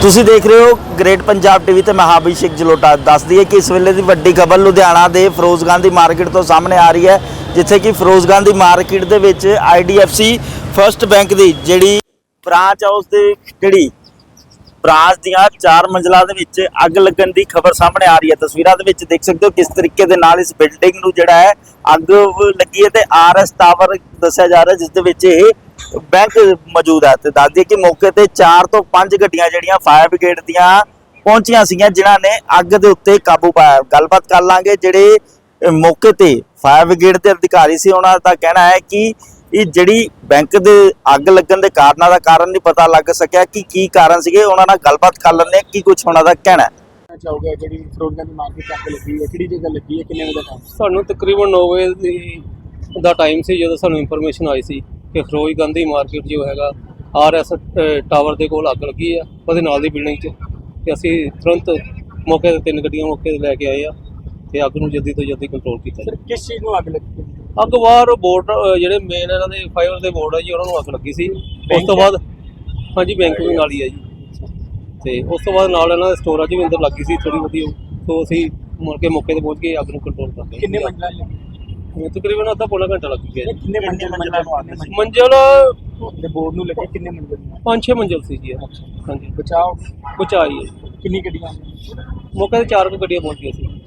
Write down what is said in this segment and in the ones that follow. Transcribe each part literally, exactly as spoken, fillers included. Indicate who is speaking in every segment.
Speaker 1: ਤੁਸੀਂ ਦੇਖ ਰਹੇ ਹੋ ਗ੍ਰੇਟ ਪੰਜਾਬ ਟੀਵੀ ਤੇ ਮੈਂ ਹਾਂ ਅਭਿਸ਼ੇਕ ਜਲੋਟਾ। ਦੱਸ ਦਈਏ ਕਿ ਇਸ ਵੇਲੇ ਦੀ ਵੱਡੀ ਖਬਰ ਲੁਧਿਆਣਾ ਦੇ ਫਿਰੋਜ਼ ਗਾਂਧੀ ਮਾਰਕੀਟ ਤੋਂ ਸਾਹਮਣੇ ਆ ਰਹੀ ਹੈ, ਜਿੱਥੇ ਕਿ ਫਿਰੋਜ਼ ਗਾਂਧੀ ਮਾਰਕੀਟ ਦੇ ਵਿੱਚ I D F C first bank ਦੀ ਜਿਹੜੀ ਬ੍ਰਾਂਚ ਆ ਉਸ ਦੇ ਜਿਹੜੀ ਬ੍ਰਾਂਚ ਦੀਆਂ ਚਾਰ ਮੰਜ਼ਲਾਂ ਦੇ ਵਿੱਚ ਅੱਗ ਲੱਗਣ ਦੀ ਖਬਰ ਸਾਹਮਣੇ ਆ ਰਹੀ ਹੈ। ਤਸਵੀਰਾਂ ਦੇ ਵਿੱਚ ਦੇਖ ਸਕਦੇ ਹੋ ਕਿਸ ਤਰੀਕੇ ਦੇ ਨਾਲ ਇਸ ਬਿਲਡਿੰਗ ਨੂੰ ਜਿਹੜਾ ਹੈ ਅੱਗ ਲੱਗੀ ਹੈ ਤੇ ਆਰ ਐਸ ਟਾਵਰ ਦੱਸਿਆ ਜਾ ਰਿਹਾ ਜਿਸ ਦੇ ਵਿੱਚ ਇਹ बैंक मौजूद है। तो दस दिए कि मौके ते चार तो पांच गड्डियां जिहड़ियां फायर ब्रिगेड दियां पहुंचियां सीगियां जिन्हां ने अग दे उत्ते काबू पाया। गलबात कर लांगे जिहड़े मौके ते फायर ब्रिगेड दे अधिकारी सी उन्हां दा कहना है कि ये जिहड़ी बैंक दे अग लगन दे कारणां दा कारण नहीं पता लग सकिया कि की कारण सीगे। उन्हां नाल गलबात कर लैंदे की कुछ उन्हां दा कहना है।
Speaker 2: चाहोगे जिहड़ी फिरोज गांधी मार्केट अग लगी है किहड़ी जगह लगी है किन्ने बजे टाइम?
Speaker 3: ਸਾਨੂੰ ਤਕਰੀਬਨ नौ ਵਜੇ ਦਾ ਟਾਈਮ ਸੀ ਜਦੋਂ ਸਾਨੂੰ ਇਨਫੋਰਮੇਸ਼ਨ ਆਈ ਸੀ ਕਿ ਫਿਰੋਜ਼ ਗਾਂਧੀ ਮਾਰਕੀਟ ਜੋ ਹੈਗਾ ਆਰ ਐਸ ਟਾਵਰ ਦੇ ਕੋਲ ਅੱਗ ਲੱਗੀ ਆ ਉਹਦੇ ਨਾਲ ਦੀ ਬਿਲਡਿੰਗ 'ਚ। ਤੇ ਅਸੀਂ ਤੁਰੰਤ ਮੌਕੇ ਤੇ ਤਿੰਨ ਗੱਡੀਆਂ ਮੌਕੇ ਤੇ ਲੈ ਕੇ ਆਏ ਆ ਤੇ ਅੱਗ ਨੂੰ ਜਲਦੀ ਤੋਂ ਜਲਦੀ ਕੰਟਰੋਲ ਕੀਤਾ।
Speaker 2: ਸਰ ਕਿਸ ਚੀਜ਼ ਨੂੰ ਅੱਗ ਲੱਗੀ?
Speaker 3: ਅੱਗ ਬਾਹਰ ਬੋਰਡ ਜਿਹੜੇ ਮੇਨ ਇਹਨਾਂ ਦੇ ਫਾਈਬਰ ਦੇ ਬੋਰਡ ਆ ਜੀ ਉਹਨਾਂ ਨੂੰ ਅੱਗ ਲੱਗੀ ਸੀ। ਉਸ ਤੋਂ ਬਾਅਦ ਹਾਂਜੀ ਬੈਂਕ ਵੀ ਨਾਲ ਹੀ ਆ ਜੀ ਤੇ ਉਸ ਤੋਂ ਬਾਅਦ ਨਾਲ ਇਹਨਾਂ ਦੇ ਸਟੋਰਾਂ 'ਚ ਵੀ ਅੰਦਰ ਲੱਗੀ ਸੀ ਥੋੜੀ ਬਹੁਤੀ। ਤੋਂ ਅਸੀਂ ਮੁੜ ਕੇ ਮੌਕੇ ਤੇ ਪਹੁੰਚ ਕੇ ਅੱਗ ਨੂੰ ਕੰਟਰੋਲ ਕਰ ਲਿਆ।
Speaker 2: ਕਿੰਨੇ ਮੰਜ਼ਲਾਂ ਲੱਗੀ?
Speaker 3: ਤਕਰੀਬਨ ਅੱਧਾ ਪੌਣਾ ਘੰਟਾ ਲੱਗ ਗਿਆ ਜੀ।
Speaker 2: ਕਿੰਨੇ ਮੰਜ਼ਲਾਂ ਨੂੰ ਅੱਗ ਲੱਗੀ?
Speaker 3: ਮੰਜ਼ਲ
Speaker 2: ਤੇ ਬੋਰਡ ਨੂੰ ਲੱਗੀ ਕਿੰਨੇ ਮੰਜ਼ਲ?
Speaker 3: ਪੰਜ ਛੇ ਮੰਜ਼ਲ ਸੀ ਜੀ। ਹਾਂਜੀ
Speaker 2: ਬਚਾਓ
Speaker 3: ਬਚਾਈ ਹੈ।
Speaker 2: ਕਿੰਨੀ ਗੱਡੀਆਂ?
Speaker 3: ਮੌਕੇ ਤੇ ਚਾਰ ਕੁ ਗੱਡੀਆਂ ਪਹੁੰਚ ਗਈਆਂ ਸੀ।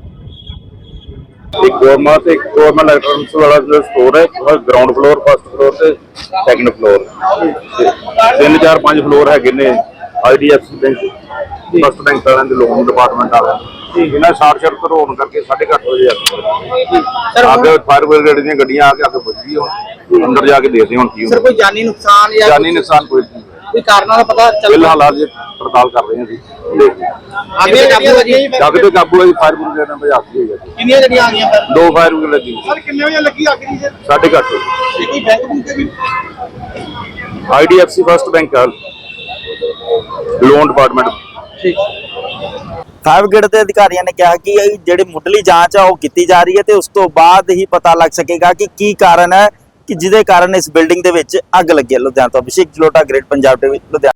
Speaker 4: एक गवर्नमेंट एक गवर्नमेंट इलेक्ट्रॉनिक्स वाला जो स्टोर है ग्राउंड फ्लोर फर्स्ट फ्लोर से सैकंड फ्लोर तीन चार पांच फ्लोर है ने I D F C bank first bank वाले दे लोन डिपार्टमेंट वाले इन्हें शार्ट सर्किट होने करके साढ़े अठ बजे आगे फायर ब्रिगेड दी गड्डियां आके आगे बुझ गई हुण अंदर जाके देखते हुण की
Speaker 2: सर कोई जानी नुकसान या
Speaker 4: जानी नुकसान कोई नहीं
Speaker 2: कोई कारणों का पता चल
Speaker 4: फिलहाल आज पड़ताल कर रहे हैं जी।
Speaker 2: आगे काबू है जी?
Speaker 4: जग ते काबू है फायर ब्रिगेड ने बुझाती है।
Speaker 2: कितनी गड्डियां आ गई?
Speaker 4: दो फायर ब्रिगेड लगी
Speaker 2: सर कितने बजे लगी आग जी? सर
Speaker 4: साढ़े अठ बजे
Speaker 2: कोई बैंक बुक भी?
Speaker 4: I D F C first bank loan department
Speaker 2: ठीक
Speaker 1: फायर ब्रिगेड के अधिकारियों ने कहा कि ਜਿਹੜੀ ਮੁੱਢਲੀ ਜਾਂਚ ਆ ਉਹ ਕੀਤੀ ਜਾ ਰਹੀ ਹੈ ਤੇ ਉਸ ਤੋਂ ਬਾਅਦ ਹੀ ਪਤਾ ਲੱਗ ਸਕੇਗਾ ਕਿ ਕੀ ਕਾਰਨ ਹੈ ਕਿ ਜਿਹਦੇ ਕਾਰਨ ਇਸ ਬਿਲਡਿੰਗ ਦੇ ਵਿੱਚ ਅੱਗ ਲੱਗੀ ਹੈ। ਲੁਧਿਆਣਾ ਤੋਂ ਅਭਿਸ਼ੇਕ ਜਲੋਟਾ, ਗ੍ਰੇਟ ਪੰਜਾਬ ਟੀਵੀ ਲੁਧਿਆਣਾ।